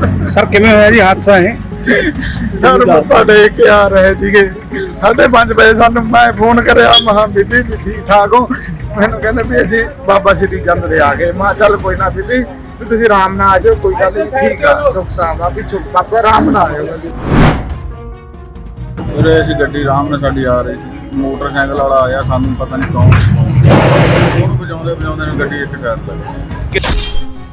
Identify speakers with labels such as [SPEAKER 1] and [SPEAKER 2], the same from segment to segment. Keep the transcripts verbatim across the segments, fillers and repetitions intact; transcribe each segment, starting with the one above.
[SPEAKER 1] Sir किवें होया जी हादसा है?
[SPEAKER 2] सर मत्था टेक के आ रहे थे साढ़े पांच बजे सानू मैं फोन करया महा बीबी जी ठीक ठाक हो मैनू कहंदे भी असीं बाबा श्री चंद दे आ गए मैं चल कोई ना बीबी भी तुसीं आराम नाल आ जाओ कोई गल नहीं ठीक आ सुख सावा भी सुख बाबा आराम नाल आ जाओ।
[SPEAKER 3] ਉਰੇ ਅਸੀਂ ਗੱਡੀ ਆਰਾਮ ਨਾਲ ਸਾਡੀ ਆ ਰਹੀ ਸੀ ਮੋਟਰਸਾਈਕਲ ਵਾਲਾ ਆਇਆ ਸਾਨੂੰ ਪਤਾ ਨਹੀਂ ਕੌਣ ਉਹਨੂੰ ਵਜਾਉਂਦੇ ਵਜਾਉਂਦੇ ਨੇ ਗੱਡੀ ਇੱਥੇ ਕਰ ਦਿੱਤੀ।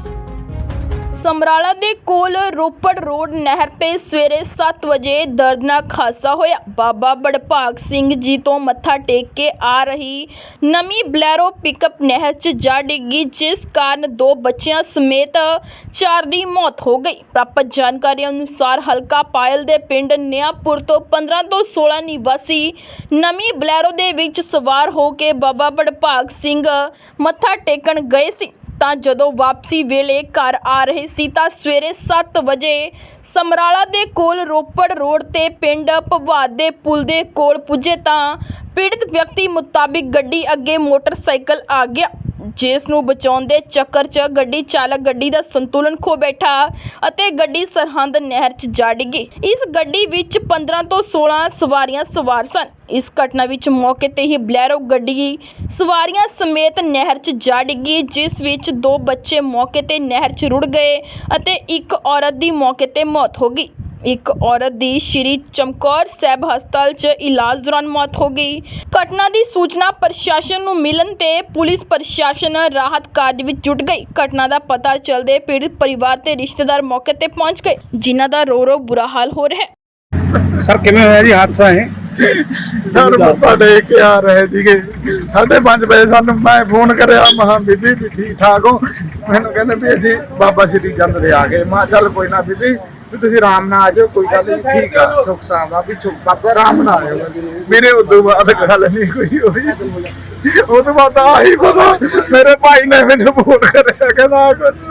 [SPEAKER 4] ਸਮਰਾਲਾ ਦੇ ਕੋਲ ਰੋਪੜ ਰੋਡ ਨਹਿਰ ਤੇ ਸਵੇਰੇ ਸੱਤ ਵਜੇ ਦਰਦਨਾਕ ਹਾਦਸਾ ਹੋਇਆ। ਬਾਬਾ ਬੜਭਾਗ ਸਿੰਘ ਜੀ ਤੋਂ ਮੱਥਾ ਟੇਕ ਕੇ ਆ ਰਹੀ ਨਵੀਂ ਬਲੈਰੋ ਪਿਕਅਪ ਨਹਿਰ 'ਚ ਜਾ ਡਿੱਗੀ, ਜਿਸ ਕਾਰਨ ਦੋ ਬੱਚਿਆਂ ਸਮੇਤ ਚਾਰ ਦੀ ਮੌਤ ਹੋ ਗਈ। ਪ੍ਰਾਪਤ ਜਾਣਕਾਰੀ ਅਨੁਸਾਰ ਹਲਕਾ ਪਾਇਲ ਦੇ ਪਿੰਡ ਨਿਆਪੁਰ ਤੋਂ ਪੰਦਰਾਂ ਤੋਂ ਸੋਲਾਂ ਨਿਵਾਸੀ ਨਵੀਂ ਬਲੈਰੋ ਦੇ ਵਿੱਚ ਸਵਾਰ ਹੋ ਕੇ ਬਾਬਾ ਬੜਭਾਗ ਸਿੰਘ ਮੱਥਾ ਟੇਕਣ ਗਏ ਸੀ ਤਾਂ ਜਦੋਂ ਵਾਪਸੀ ਵੇਲੇ ਘਰ ਆ ਰਹੇ ਸੀ ਤਾਂ ਸਵੇਰੇ ਸੱਤ ਵਜੇ ਸਮਰਾਲਾ ਦੇ ਕੋਲ ਰੋਪੜ ਰੋਡ ਤੇ ਪਿੰਡ ਭਵਾਦ ਦੇ ਪੁਲ ਦੇ ਕੋਲ ਪੁੱਜੇ ਤਾਂ ਪੀੜਤ ਵਿਅਕਤੀ ਮੁਤਾਬਿਕ ਗੱਡੀ ਅੱਗੇ ਮੋਟਰਸਾਈਕਲ ਆ ਗਿਆ, ਜਿਸ ਨੂੰ ਬਚਾਉਣ ਦੇ ਚੱਕਰ 'ਚ ਗੱਡੀ ਚਾਲਕ ਗੱਡੀ ਦਾ ਸੰਤੁਲਨ ਖੋ ਬੈਠਾ ਅਤੇ ਗੱਡੀ ਸਰਹੰਦ ਨਹਿਰ 'ਚ ਜਾ ਡਿੱਗੀ। ਇਸ ਗੱਡੀ ਵਿੱਚ ਪੰਦਰਾਂ ਤੋਂ ਸੋਲਾਂ ਸਵਾਰੀਆਂ ਸਵਾਰ ਸਨ। ਇਸ ਘਟਨਾ ਵਿੱਚ ਮੌਕੇ ਤੇ ਹੀ ਬਲੈਰੋ ਗੱਡੀ ਸਵਾਰੀਆਂ ਸਮੇਤ ਨਹਿਰ 'ਚ ਜਾ ਡਿੱਗੀ, ਜਿਸ ਵਿੱਚ ਦੋ ਬੱਚੇ ਮੌਕੇ ਤੇ ਨਹਿਰ 'ਚ ਰੁੜ ਗਏ ਅਤੇ ਇੱਕ ਔਰਤ ਦੀ ਮੌਕੇ ਤੇ ਮੌਤ ਹੋ ਗਈ। ਇੱਕ ਔਰਤ ਦੀ ਸ਼੍ਰੀ ਚਮਕੌਰ ਸਾਹਿਬ ਹਸਪਤਾਲ 'ਚ ਇਲਾਜ ਦੌਰਾਨ ਮੌਤ ਹੋ ਗਈ। ਘਟਨਾ ਦੀ ਸੂਚਨਾ ਪ੍ਰਸ਼ਾਸਨ ਨੂੰ ਮਿਲਣ ਤੇ ਪੁਲਿਸ ਪ੍ਰਸ਼ਾਸਨ ਰਾਹਤ ਕਾਰਜ ਵਿੱਚ ਜੁਟ ਗਈ। ਘਟਨਾ ਦਾ ਪਤਾ ਚੱਲਦੇ ਪੀੜਤ ਪਰਿਵਾਰ ਤੇ ਰਿਸ਼ਤੇਦਾਰ ਮੌਕੇ ਤੇ ਪਹੁੰਚ ਗਏ, ਜਿਨ੍ਹਾਂ ਦਾ ਰੋ ਰੋ ਬੁਰਾ ਹਾਲ ਹੋ ਰਿਹਾ ਹੈ।
[SPEAKER 1] सर किवें होया जी हादसा है?
[SPEAKER 2] सर मत्था टेक के आ रहे थे साढ़े पांच बजे सानू मैं फोन करया महा बीबी जी ठीक ठाक हो मैनू कहंदे भी असीं बाबा श्री चंद दे आ गए मैं चल कोई ना बीबी भी तुसीं आराम नाल आ जाओ कोई गल नहीं ठीक आ सुख सावा भी सुख बाबा आराम नाल आ जाओ। मेरे उदों बाद गल नहीं कोई होई ਉਹ ਤੋਂ ਬਾਅਦ ਆਹੀ ਪਤਾ ਮੇਰੇ ਭਾਈ ਨੇ ਮੈਨੂੰ ਫੋਨ ਕਰਿਆ ਕਹਿੰਦਾ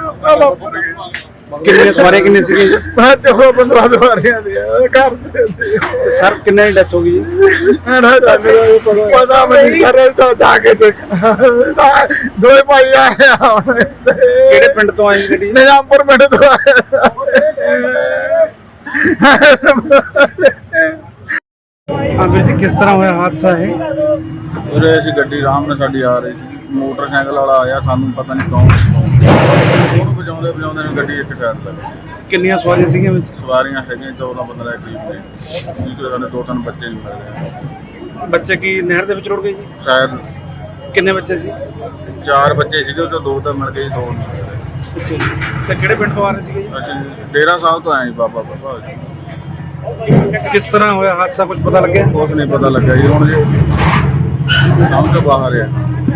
[SPEAKER 2] ਕੁਝ
[SPEAKER 1] कितने सवारी कितने सी?
[SPEAKER 2] मैं चौदह पंद्रह सवारियां दी घर दे
[SPEAKER 1] सर कितने की डेथ होगी जी?
[SPEAKER 2] पता नहीं सर तो जाके दो भाई आए
[SPEAKER 1] किहड़े पिंड तो आई गड्डी?
[SPEAKER 2] निजामपुर पिंड तो आए।
[SPEAKER 1] हाँ वीर जी किस तरह होया हादसा है?
[SPEAKER 3] ਉਰੇ ਅਸੀਂ ਗੱਡੀ ਆਰਾਮ ਨਾਲ ਸਾਡੀ ਆ ਰਹੀ ਸੀ ਮੋਟਰਸਾਈਕਲ ਵਾਲਾ ਆਇਆ ਸਾਨੂੰ ਪਤਾ ਨਹੀਂ ਕੌਣ ਉਹਨੂੰ ਵਜਾਉਂਦੇ ਵਜਾਉਂਦੇ ਨੇ ਗੱਡੀ ਇੱਥੇ ਕਰ ਦਿੱਤੀ।
[SPEAKER 1] ਕਿੰਨੀਆਂ ਸਵਾਰੀਆਂ ਸੀਗੀਆਂ ਵਿੱਚ?
[SPEAKER 3] ਸਵਾਰੀਆਂ ਹੈਗੀਆਂ ਚੌਦਾਂ ਪੰਦਰਾਂ ਕਰੀਬ ਨੇ ਜਿਹਦੇ ਸਾਡੇ ਦੋ ਤਿੰਨ ਬੱਚੇ ਨਹੀਂ ਮਿਲ ਰਹੇ
[SPEAKER 1] ਬੱਚੇ ਕੀ ਨਹਿਰ ਦੇ ਵਿੱਚ ਰੁੜ ਗਏ ਜੀ?
[SPEAKER 3] ਸ਼ਾਇਦ
[SPEAKER 1] ਕਿੰਨੇ ਬੱਚੇ ਸੀ?
[SPEAKER 3] ਚਾਰ ਬੱਚੇ ਸੀਗੇ ਉਹ 'ਚੋਂ ਦੋ ਤਾਂ ਮਿਲ ਗਏ ਦੋ ਨਹੀਂ ਮਿਲੇ।
[SPEAKER 1] ਅੱਛਾ ਜੀ। ਤੇ ਕਿਹੜੇ ਪਿੰਡ ਤੋਂ ਆ ਰਹੇ ਸੀਗੇ ਜੀ?
[SPEAKER 3] ਅਸੀਂ ਡੇਰਾ ਸਾਹਿਬ ਤੋਂ ਆਏ ਜੀ ਬਾਬਾ ਬਾਬਾ
[SPEAKER 1] ਕਿਸ ਤਰ੍ਹਾਂ ਹੋਇਆ ਹਾਦਸਾ ਕੁਝ ਪਤਾ ਲੱਗਿਆ?
[SPEAKER 3] ਕੁਛ ਨਹੀਂ ਪਤਾ ਲੱਗਾ ਜੀ ਹੁਣ ਜੀ ਸਮਝ ਤੋਂ ਬਾਹਰ ਆ।